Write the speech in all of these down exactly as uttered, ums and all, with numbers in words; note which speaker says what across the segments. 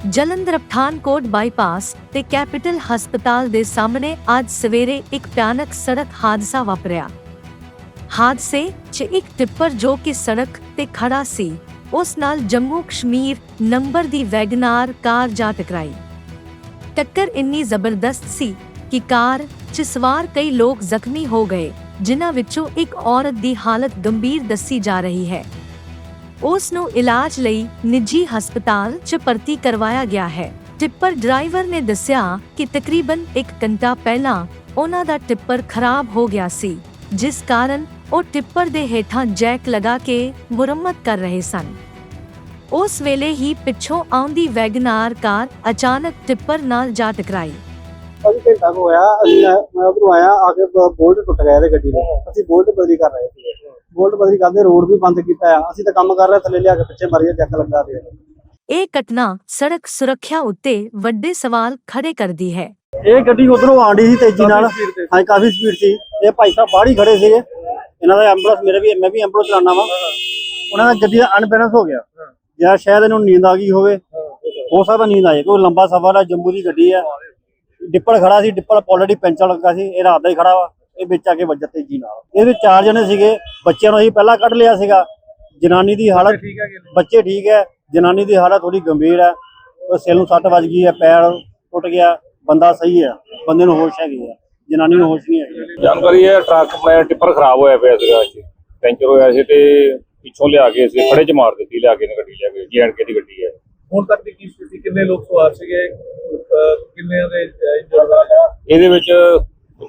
Speaker 1: Jalandhar Pathankot bypass ਤੇ capital ਹਸਪਤਾਲ ਦੇ ਸਾਹਮਣੇ ਅੱਜ ਸਵੇਰੇ ਇੱਕ ਭਿਆਨਕ ਸੜਕ ਹਾਦਸਾ ਵਾਪਰਿਆ। ਹਾਦਸੇ 'ਚ ਇੱਕ ਟਿੱਪਰ ਜੋ ਕਿ ਸੜਕ ਤੇ ਖੜਾ ਸੀ, ਉਸ ਨਾਲ ਜੰਮੂ ਕਸ਼ਮੀਰ ਨੰਬਰ ਦੀ ਵੈਗਨਾਰ ਕਾਰ ਜਾ ਟਕਰਾਈ। ਟੱਕਰ ਇੰਨੀ ਜ਼ਬਰਦਸਤ ਸੀ ਕਿ ਕਾਰ 'ਚ ਸਵਾਰ ਕਈ ਲੋਕ ਜ਼ਖਮੀ ਹੋ ਗਏ, ਜਿਨ੍ਹਾਂ ਵਿੱਚੋਂ ਇੱਕ ਔਰਤ ਦੀ ਹਾਲਤ ਗੰਭੀਰ ਦੱਸੀ ਜਾ ਰਹੀ ਹੈ। ਉਸ ਨੂੰ ਇਲਾਜ ਲਈ ਨਿੱਜੀ ਹਸਪਤਾਲ 'ਚ ਭਰਤੀ ਕਰਵਾਇਆ ਗਿਆ ਹੈ। ਟਿੱਪਰ ਡਰਾਈਵਰ ਨੇ ਦੱਸਿਆ ਕਿ ਤਕਰੀਬਨ ਇੱਕ ਘੰਟਾ ਪਹਿਲਾਂ ਉਹਨਾਂ ਦਾ ਟਿੱਪਰ ਖਰਾਬ ਹੋ ਗਿਆ ਸੀ, ਜਿਸ ਕਾਰਨ ਉਹ ਟਿੱਪਰ ਦੇ ਹੇਠਾਂ ਜੈਕ ਲਗਾ ਕੇ ਮੁਰੰਮਤ ਕਰ ਰਹੇ ਸਨ। ਉਸ ਵੇਲੇ ਹੀ ਪਿੱਛੋਂ ਆਉਂਦੀ ਵੈਗਨਾਰ ਕਾਰ ਅਚਾਨਕ ਟਿੱਪਰ ਨਾਲ ਜਾ ਟਕਰਾਈ।
Speaker 2: अभी घंटा को होया मैं उधरों आया आके बोल्ट टुट गया ते गड्डी दा। ਅਸੀਂ बोल्ट बदली कर रहे थे, बोल्ट बदली करदे रोड भी बंद कीता है। ਅਸੀਂ ਤਾਂ ਕੰਮ ਕਰ ਰਹੇ ਥੱਲੇ ਲਿਆ ਕੇ ਪਿੱਛੇ ਮਾਰੀਆ ਜੱਕ ਲੱਗਾ ਰਿਹਾ।
Speaker 1: ਇਹ ਘਟਨਾ ਸੜਕ ਸੁਰੱਖਿਆ ਉੱਤੇ ਵੱਡੇ ਸਵਾਲ ਖੜੇ ਕਰਦੀ ਹੈ।
Speaker 2: ਇਹ ਗੱਡੀ ਉਧਰੋਂ ਆਂਡੀ ਸੀ ਤੇਜ਼ੀ ਨਾਲ, ਹਾਂ ਕਾਫੀ ਸਪੀਡ ਸੀ। ਇਹ ਭਾਈ ਸਾਹਿਬ ਬਾਹਰ ਹੀ ਖੜੇ ਸੀਗੇ, ਇਹਨਾਂ ਦਾ ਐਂਬੂਲੈਂਸ ਮੇਰੇ ਵੀ ਮੈਂ ਵੀ ਐਂਬੂਲੈਂਸ ਚਲਾਉਣਾ ਵਾ। ਉਹਨਾਂ ਦਾ ਗੱਡੀ ਦਾ ਅਨਬੈਲੈਂਸ ਹੋ ਗਿਆ, ਜਾਂ ਸ਼ਾਇਦ ਇਹਨੂੰ ਨੀਂਦ ਆ ਗਈ ਹੋਵੇ, ਹੋ ਸਕਦਾ ਨੀਂਦ ਆਏ। ਕੋਈ ਲੰਬਾ ਸਫ਼ਰ ਹੈ, ਜੰਮੂ ਦੀ ਗੱਡੀ ਹੈ। ਡਿੱਪਰ ਖੜਾ ਸੀ, ਡਿੱਪਰ ਆਲਰੇਡੀ ਪੈਂਚਰ ਲੱਗਾ ਸੀ, ਇਹ ਰਾਤ ਦਾ ਹੀ ਖੜਾ ਵਾ। ਇਹ ਵਿੱਚ ਆ ਕੇ ਵੱਜਾ ਤੇਜ਼ੀ ਨਾਲ। ਇਹਦੇ ਵਿੱਚ ਚਾਰ ਜਣੇ ਸੀਗੇ, ਬੱਚਿਆਂ ਨੂੰ ਅਸੀਂ ਪਹਿਲਾਂ ਕੱਢ ਲਿਆ ਸੀਗਾ। ਜਨਾਨੀ ਦੀ ਹਾਲਤ ਬੱਚੇ ਠੀਕ ਹੈ, ਜਨਾਨੀ ਦੀ ਹਾਲਤ ਥੋੜੀ ਗੰਭੀਰ ਹੈ। ਉਹ ਸਿਰ ਨੂੰ ਸੱਟ ਵੱਜ ਗਈ ਹੈ, ਪੈਰ ਟੁੱਟ ਗਿਆ। ਬੰਦਾ ਸਹੀ ਹੈ, ਬੰਦੇ ਨੂੰ ਹੋਸ਼ ਹੈਗੀ ਹੈ, ਜਨਾਨੀ ਨੂੰ ਹੋਸ਼ ਨਹੀਂ ਹੈਗੀ।
Speaker 3: ਜਾਣਕਾਰੀ ਹੈ ਟਰੱਕ ਮੈਂ ਟਿੱਪਰ ਖਰਾਬ ਹੋਇਆ ਪਿਆ ਸੀਗਾ, ਪੈਂਚਰ ਹੋਇਆ ਸੀ ਤੇ ਪਿੱਛੋਂ ਲਿਆ ਕੇ ਅਸੀਂ ਖੜੇ ਚ ਮਾਰ ਦਿੱਤੀ, ਲਿਆ ਕੇ ਗੱਡੀ ਲਿਆ ਕੇ। ਜੀ ਐਂਡ ਕੇ ਦੀ ਗੱਡੀ ਹੈ।
Speaker 4: ਹੁਣ ਤੱਕ ਦੀ ਕੀ ਸਥਿਤੀ, ਕਿੰਨੇ ਲੋਕ ਸਵਾਰ ਸੀਗੇ, ਕਿੰਨੇ ਦੇ ਇੰਜਰਡ?
Speaker 3: ਇਹਦੇ ਵਿੱਚ ਇੱਕ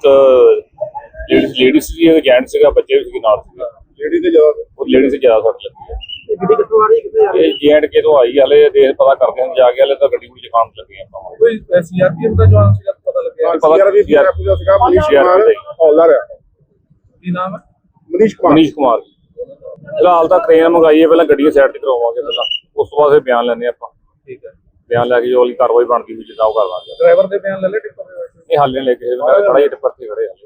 Speaker 3: ਲੇਡੀ ਸੀ, ਜੈਂਟ ਸੀਗਾ, ਬੱਚੇ ਵੀ ਸੀਗੇ ਨਾਲ ਸੀਗਾ।
Speaker 4: ਲੇਡੀ ਤੇ ਜ਼ਿਆਦਾ
Speaker 3: ਉਹ ਲੇਡੀ ਸੀ ਜ਼ਿਆਦਾ ਸੱਟ ਲੱਗੀ ਹੈ।
Speaker 2: ਇਹ ਗੱਡੀ ਕਿੱਥੋਂ ਆ ਰਹੀ ਕਿੱਥੇ ਜਾ ਰਹੀ?
Speaker 3: ਇਹ ਜੀ ਐਂਡ ਕੇ ਤੋਂ ਆਈ, ਹਲੇ ਦੇਖ ਪਤਾ ਕਰਦੇ ਹਾਂ ਜਾ ਕੇ। ਹਲੇ ਤਾਂ ਗੱਡੀ ਵਿੱਚ ਕੰਮ ਲੱਗੇ ਆਪਾਂ।
Speaker 4: ਕੋਈ ਸੀਆਰਪੀਐਫ ਦਾ ਜਵਾਨ ਸੀਗਾ, ਪਤਾ ਲੱਗਿਆ?
Speaker 3: ਸੀਆਰਪੀਐਫ
Speaker 4: ਦਾ ਸੀਗਾ ਮਨੀਸ਼ ਕੁਮਾਰ ਹੌਲਦਾਰ ਹੈ। ਕੀ ਨਾਮ ਹੈ? ਮਨੀਸ਼ ਕੁਮਾਰ।
Speaker 3: ਮਨੀਸ਼ ਕੁਮਾਰ ਫਿਲਹਾਲ ਤਾਂ ਟ੍ਰੇਨ ਮੰਗਾਈ ਹੈ, ਪਹਿਲਾਂ ਗੱਡੀ ਸਾਈਡ ਤੇ ਕਰਵਾਵਾਂਗੇ, ਪਹਿਲਾਂ ਉਸ ਤੋਂ ਬਾਅਦ ਫਿਰ ਬਿਆਨ ਲੈਣੇ ਆਪਾਂ।
Speaker 4: ਠੀਕ ਹੈ,
Speaker 3: ਬਿਆਨ ਲੈ ਕੇ ਜੋ ਵਾਲੀ ਕਾਰਵਾਈ ਬਣਦੀ ਹੋਈ ਜਿੱਦਾਂ ਉਹ ਕਰ ਲਾਂਗੇ।
Speaker 4: ਡਰਾਈਵਰ ਦੇ ਬਿਆਨ ਲੈ ਲੈ ਟਿੱਪਰ ਦੇ?
Speaker 3: ਇਹ ਹਾਲੇ ਲੈ ਕੇ ਖੜਾ ਹੀ ਟਿੱਪਰ ਤੇ ਖੜੇ ਆ।